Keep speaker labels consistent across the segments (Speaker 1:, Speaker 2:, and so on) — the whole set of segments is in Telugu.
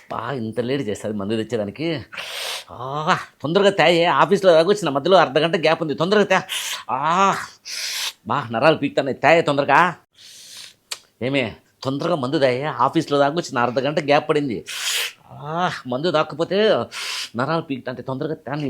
Speaker 1: ఇంత లేట్ చేస్తుంది మందు తెచ్చేదానికి. తొందరగా తేయే, ఆఫీస్లో దాకా వచ్చిన మధ్యలో అర్ధగంట గ్యాప్ ఉంది, తొందరగా తే. నరాలు పీక్తాయి, తేయే తొందరగా. ఏమే తొందరగా మందు తాయే, ఆఫీస్లో దాకా వచ్చిన అర్ధగంట గ్యాప్ పడింది. మందు తాకపోతే నరాలు పీక్తా అంటే తొందరగా తాని.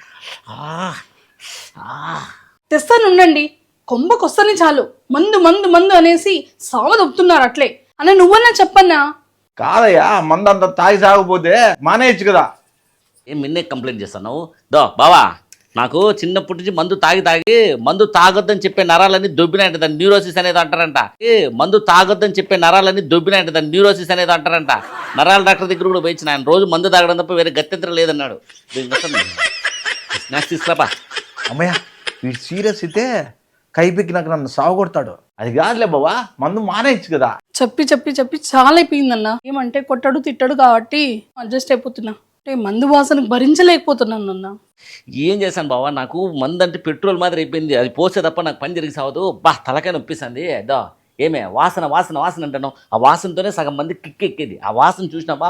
Speaker 2: తెస్తానుండండి, కొంబకొస్తని చాలు మందు మందు మందు అనేసి సావదొప్పుతున్నారు అట్లే అన్న. నువ్వన్నా చెప్పన్నా.
Speaker 3: కాదయ్యా, మందంతా తాగి సాగపోతే మానేయచ్చు కదా.
Speaker 1: ఏం నిన్నే కంప్లైంట్ చేస్తున్నావు? బావా, నాకు చిన్నప్పటి నుంచి మందు తాగొద్దని చెప్పే నరాలన్నీ దొబ్బినాయంట, దాన్ని న్యూరోసిస్ అనేది అంటారంట. మందు తాగొద్దని చెప్పే నరాలన్నీ దొబ్బినాయంట, దాన్ని న్యూరోసిస్ అనేది అంటారంట. నరాల డాక్టర్ దగ్గర కూడా పోయించిన, ఆయన రోజు మందు తాగడం తప్ప వేరే గత్యంతరం లేదన్నాడు. స్నాక్స్ తీసుకురాపా.
Speaker 3: అమ్మయ్య, వీడు సీరియస్ అయితే కైపెక్కి నాకు నన్ను సాగొడతాడు. అది కాదులే బావా, మందు మానేయచ్చు కదా.
Speaker 2: చెప్పి చెప్పి చెప్పి చాలా అయిపోయిందన్న. ఏమంటే కొట్టడు తిట్టడు కాబట్టి అడ్జస్ట్ అయిపోతున్నా. అంటే మందు వాసనకు భరించలేకపోతున్నాను అన్న.
Speaker 1: ఏం చేశాను బావా, నాకు మందు అంటే పెట్రోల్ మాదిరి అయిపోయింది. అది పోసే తప్ప నాకు పని జరిగి సావదు. తలకాయ నొప్పిస్తుంది. ఏమే వాసన వాసన వాసన అంటాను, ఆ వాసనతోనే సగం మంది కిక్కెక్కేది. ఆ వాసన చూసినావా,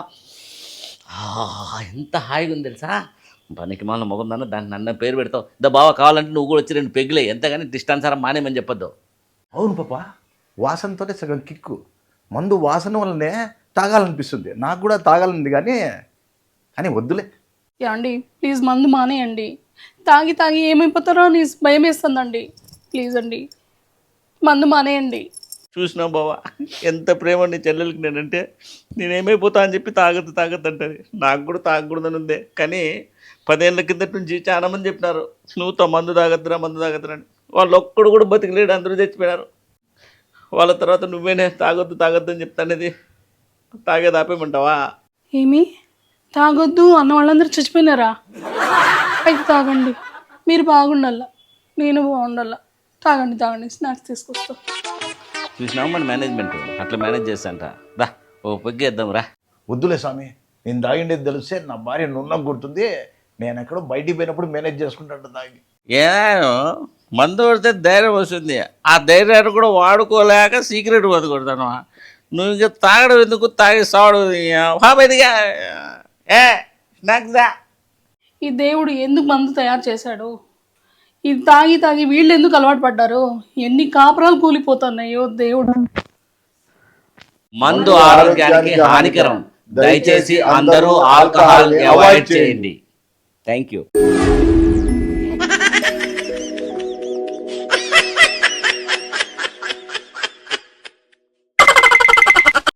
Speaker 1: ఎంత హాయిగా ఉంది తెలుసా. పనికి మాల మొగం దాన్ని నన్న పేరు పెడతావు. బావ కావాలంటే నువ్వు కూడా వచ్చి 2 పెగ్గులే, ఎంతగాని డిస్టాన్సారా మానేమని చెప్పొద్దు.
Speaker 3: అవును పాప, వాసనతోనే సగం కిక్కు. మందు వాసన వల్లనే తాగాలనిపిస్తుంది. నాకు కూడా తాగాలనింది కానీ వద్దులే.
Speaker 2: యాండి ప్లీజ్ మందు మానేయండి. తాగి తాగి ఏమైపోతారో అని భయం వేస్తుందండి. ప్లీజ్ అండి మందు మానేయండి.
Speaker 1: చూసినావు బావా, ఎంత ప్రేమ నీ చెల్లెలకి నేనంటే. నేనేమైపోతా అని చెప్పి తాగద్దు అంటది. నాకు కూడా తాగకూడదని ఉందే, కానీ 10 ఏళ్ళ కిందటి నుంచి చాలా మంది చెప్పినారు, నువ్వుతో మందు తాగద్దురా అని. వాళ్ళు ఒక్కడు కూడా బతికిలేడు, అందరూ చచ్చిపోయినారు. వాళ్ళ తర్వాత నువ్వేనే తాగొద్దు అని చెప్తానేది. తాగేది ఆపేయమంటావా?
Speaker 2: ఏమి తాగొద్దు అన్న వాళ్ళందరూ చచ్చిపోయినారా? అయితే తాగండి, మీరు బాగుండాల, నేను బాగుండాల. తాగండి, స్నాక్స్ తీసుకొస్తా.
Speaker 1: చూసినావు మన మేనేజ్మెంట్ అట్లా మేనేజ్ చేస్తాంట. ఓ పొగ్గేద్దాం రా.
Speaker 3: వద్దులే స్వామి, నేను తాగిండేది తెలిస్తే నా భార్య నున్న గుర్తుంది. నేను ఎక్కడో బయటికి పోయినప్పుడు మేనేజ్ చేసుకుంటాను తాగి.
Speaker 1: ఏదో మందు కొడితే ధైర్యం వస్తుంది, ఆ ధైర్యాన్ని కూడా వాడుకోలేక సీక్రెట్ బతుకొడతాను. నువ్వు ఇంకా తాగడం ఎందుకు, తాగి సావడం బయటిగా. స్నాక్స్
Speaker 2: ఈ దేవుడు ఎందుకు మందు తయారు చేశాడు? ఇది తాగి తాగి వీళ్ళు ఎందుకు అలవాటు పడ్డారు? ఎన్ని కాపురాలు కూలిపోతున్నాయో దేవుడు.
Speaker 1: మందు ఆరోగ్యానికి హానికరం, దయచేసి అందరూ ఆల్కహాల్ అవాయిడ్ చేయండి. Thank you.